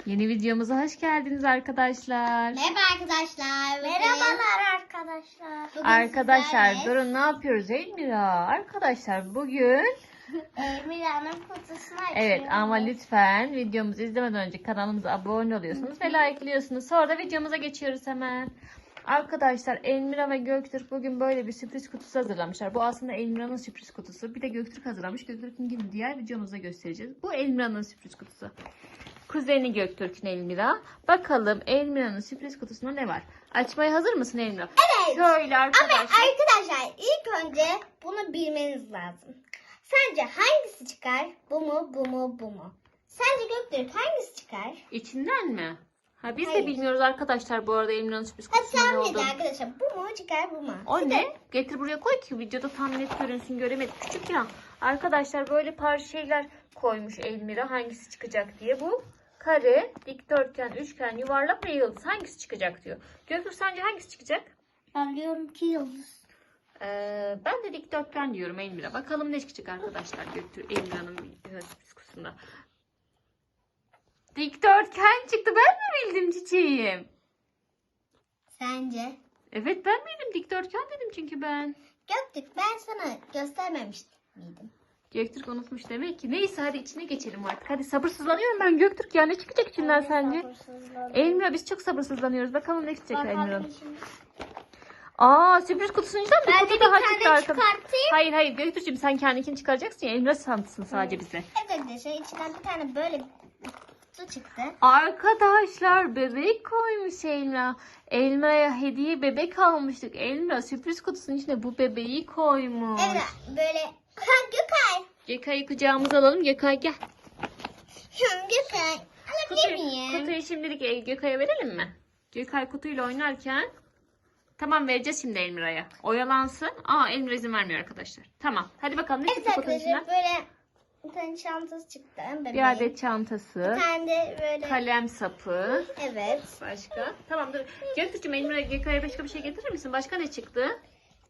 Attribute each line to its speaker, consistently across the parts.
Speaker 1: Yeni videomuza hoş geldiniz arkadaşlar.
Speaker 2: Merhaba arkadaşlar. Merhabalar arkadaşlar. Bugün
Speaker 1: Arkadaşlar
Speaker 2: sizlerle
Speaker 1: durun, ne yapıyoruz Elmira? Arkadaşlar bugün
Speaker 2: Mira'nın kutusunu açıyoruz.
Speaker 1: evet, ama lütfen videomuzu izlemeden önce kanalımıza abone oluyorsunuz ve like'lıyorsunuz. Sonra da videomuza geçiyoruz hemen. Arkadaşlar Elmira ve Göktürk bugün böyle bir sürpriz kutusu hazırlamışlar. Bu aslında Elmira'nın sürpriz kutusu. Bir de Göktürk hazırlamış. Göktürk'ün diğer videomuzda göstereceğiz. Bu Elmira'nın sürpriz kutusu. Kuzeni Göktürk'ün Elmira. Bakalım Elmira'nın sürpriz kutusunda ne var? Açmaya hazır mısın Elmira?
Speaker 2: Evet.
Speaker 1: Şöyle arkadaşlar.
Speaker 2: Ama arkadaşlar ilk önce bunu bilmeniz lazım. Sence hangisi çıkar? Bu mu, bu mu, bu mu? Sence Göktürk hangisi çıkar?
Speaker 1: İçinden mi? Ha, biz
Speaker 2: Hayır.
Speaker 1: de bilmiyoruz arkadaşlar bu arada Elmira'nın sürpriz
Speaker 2: Hadi
Speaker 1: kutusunun ne
Speaker 2: tahmin edin
Speaker 1: olduğunu.
Speaker 2: arkadaşlar. Bu mu çıkar, bu mu?
Speaker 1: O ne? Getir buraya koy ki videoda tam net görünsün, göremedik. Küçük ya. Arkadaşlar böyle parça şeyler koymuş Elmira hangisi çıkacak diye. Bu kare, dikdörtgen, üçgen, yuvarlak ve yıldız. Hangisi çıkacak diyor. Göktürk sence hangisi çıkacak?
Speaker 2: Ben diyorum ki yıldız.
Speaker 1: Ben de dikdörtgen diyorum Elmira. Bakalım ne çıkacak arkadaşlar Göktürk Elmira'nın sürpriz kutusunda. Dikdörtgen çıktı. Ben mi bildim çiçeğim?
Speaker 2: Sence?
Speaker 1: Evet, ben bildim. Dikdörtgen dedim çünkü ben.
Speaker 2: Göktürk, ben sana göstermemiştim miydim?
Speaker 1: Göktürk unutmuş demek ki. Neyse hadi içine geçelim artık. Hadi sabırsızlanıyorum ben Göktürk ya. Ne çıkacak içinden sence? Elmira, biz çok sabırsızlanıyoruz. Bakalım ne çıkacak Elmira'nın. Aa, sürpriz kutusunun içinden bir
Speaker 2: Ben de
Speaker 1: kutu
Speaker 2: bir
Speaker 1: daha
Speaker 2: tane
Speaker 1: çıktı arkadaşlar.
Speaker 2: çıkartayım.
Speaker 1: Hayır Göktürk'cüğüm, sen kendininkini çıkaracaksın ya. Elmira santsın sadece bize.
Speaker 2: Evet arkadaşlar, içinden bir tane böyle kutu çıktı.
Speaker 1: Arkadaşlar bebek koymuş Elmira. Elmira'ya hediye bebek almıştık. Elmira sürpriz kutusunun içine bu bebeği koymuş.
Speaker 2: Evet böyle. Gökay.
Speaker 1: Gekay'ı kucağımıza alalım. Gekay gel.
Speaker 2: Gökay. Alabilir miyim?
Speaker 1: Kutuyu şimdilik Gökay'a verelim mi? Gökay kutuyla oynarken. Tamam, vereceğiz şimdi Elmira'ya. Oyalansın. Aa, Elmira izin vermiyor arkadaşlar. Tamam. Hadi bakalım ne
Speaker 2: Evet
Speaker 1: çıktı kutunun içinden?
Speaker 2: arkadaşlar böyle bir tane çantası çıktı. Bebeğin.
Speaker 1: Bir adet çantası.
Speaker 2: Bir tane de böyle.
Speaker 1: Kalem sapı.
Speaker 2: Evet.
Speaker 1: Başka? Tamam dur. Göktürk'cüğüm Elmira Gökay'a başka bir şey getirir misin? Başka ne çıktı?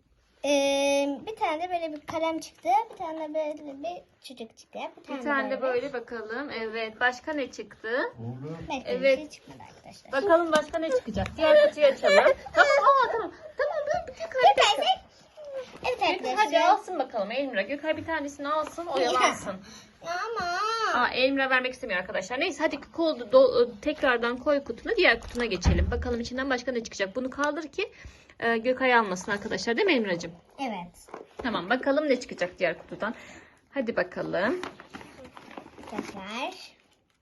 Speaker 2: Bir tane de böyle bir kalem çıktı. Bir tane de böyle bir çocuk çıktı.
Speaker 1: Bir tane de böyle bakalım. Evet. Başka ne çıktı?
Speaker 2: Belki
Speaker 1: Evet.
Speaker 2: bir şey çıkmadı arkadaşlar.
Speaker 1: Bakalım başka ne çıkacak? Diğer kutuyu açalım. Tamam. Tamam. Tamam. Ben bir Gökay.
Speaker 2: Evet
Speaker 1: Gökay hadi
Speaker 2: arkadaşlar.
Speaker 1: alsın bakalım Elmira. Gökay bir tanesini alsın, oyalansın.
Speaker 2: Ama.
Speaker 1: Aa, Elmira vermek istemiyor arkadaşlar. Neyse hadi tekrardan koy kutunu, diğer kutuna geçelim. Bakalım içinden başka ne çıkacak. Bunu kaldır ki Gökay almasın arkadaşlar, değil mi Elmiracığım?
Speaker 2: Evet.
Speaker 1: Tamam, bakalım ne çıkacak diğer kutudan. Hadi bakalım.
Speaker 2: Tekrar.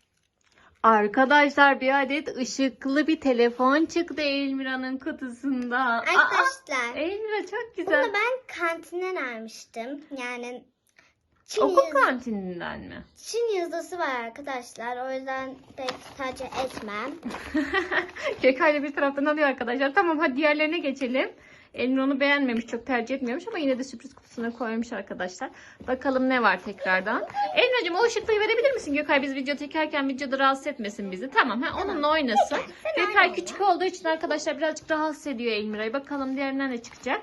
Speaker 1: Arkadaşlar bir adet ışıklı bir telefon çıktı Elmira'nın kutusunda.
Speaker 2: Arkadaşlar.
Speaker 1: Elmira çok güzel.
Speaker 2: Bunu ben kantinden almıştım. Yani Çin,
Speaker 1: Okul kantininden mi?
Speaker 2: Çin yazısı var arkadaşlar. O yüzden pek tercih etmem.
Speaker 1: Gökay'la bir taraftan alıyor arkadaşlar. Tamam hadi diğerlerine geçelim. Elmira onu beğenmemiş, çok tercih etmiyormuş ama yine de sürpriz kutusuna koymuş arkadaşlar. Bakalım ne var tekrardan. Elmiracığım o ışıklığı verebilir misin Gökay? Biz video çekerken videoda rahatsız etmesin bizi. Tamam, onunla oynasın. Gökay küçük olduğu için arkadaşlar birazcık rahatsız ediyor Elmira'yı. Bakalım diğerinden ne çıkacak?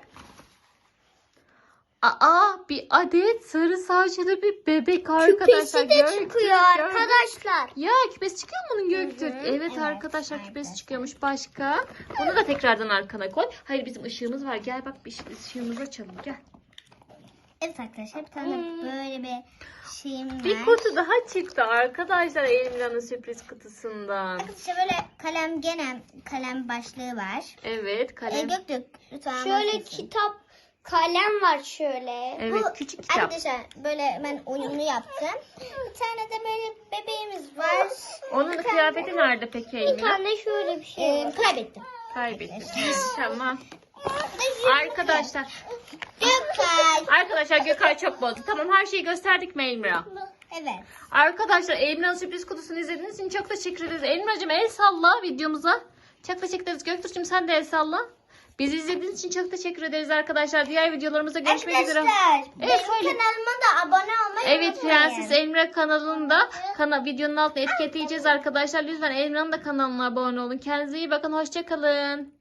Speaker 1: Bir adet sarı saçlı bir bebek arkadaşlar.
Speaker 2: Küpesi de çıkıyor arkadaşlar.
Speaker 1: Ya küpesi çıkıyor mu bunun Göktürk? Evet,
Speaker 2: Evet,
Speaker 1: arkadaşlar küpesi
Speaker 2: arkadaşlar.
Speaker 1: çıkıyormuş. Başka? Bunu da tekrardan arkana koy. Hayır, bizim ışığımız var. Gel bak, bir ışığımızı açalım. Gel.
Speaker 2: Evet arkadaşlar bir tane böyle bir şeyim var.
Speaker 1: Bir kutu daha çıktı arkadaşlar Elmira'nın sürpriz kutusundan.
Speaker 2: Arkadaşlar böyle kalem başlığı var.
Speaker 1: Evet, kalem.
Speaker 2: Göktürk lütfen.
Speaker 3: Şöyle
Speaker 2: bakın.
Speaker 3: kitap, kalem var şöyle.
Speaker 1: Evet,
Speaker 2: Bu,
Speaker 1: küçük kitap.
Speaker 2: Arkadaşlar böyle ben uyumlu yaptım. Bir tane de böyle bebeğimiz var.
Speaker 1: Onun kıyafeti nerede peki
Speaker 3: Bir
Speaker 1: Elmira?
Speaker 3: tane şöyle bir şey var.
Speaker 2: Kaybettim.
Speaker 1: Kaybettim. Tamam. Arkadaşlar.
Speaker 2: Gökay.
Speaker 1: Gökay çok bozdu. Tamam, her şeyi gösterdik mi Elmira?
Speaker 2: Evet.
Speaker 1: Arkadaşlar Elmira'nın sürpriz kutusunu izlediğiniz için çok teşekkür ederiz. Elmira'cığım el salla videomuza. Çok teşekkür ederiz. Göktürk'cüğüm sen de el salla. Bizi izlediğiniz için çok teşekkür ederiz arkadaşlar. Diğer videolarımızda görüşmek üzere.
Speaker 2: Arkadaşlar
Speaker 1: Evet,
Speaker 2: benim
Speaker 1: söyle.
Speaker 2: kanalıma da abone olmayı
Speaker 1: Evet,
Speaker 2: unutmayın.
Speaker 1: Prenses Elmira kanalında videonun altına etiketleyeceğiz arkadaşlar. Lütfen Elmira'nın da kanalına abone olun. Kendinize iyi bakın. Hoşça kalın.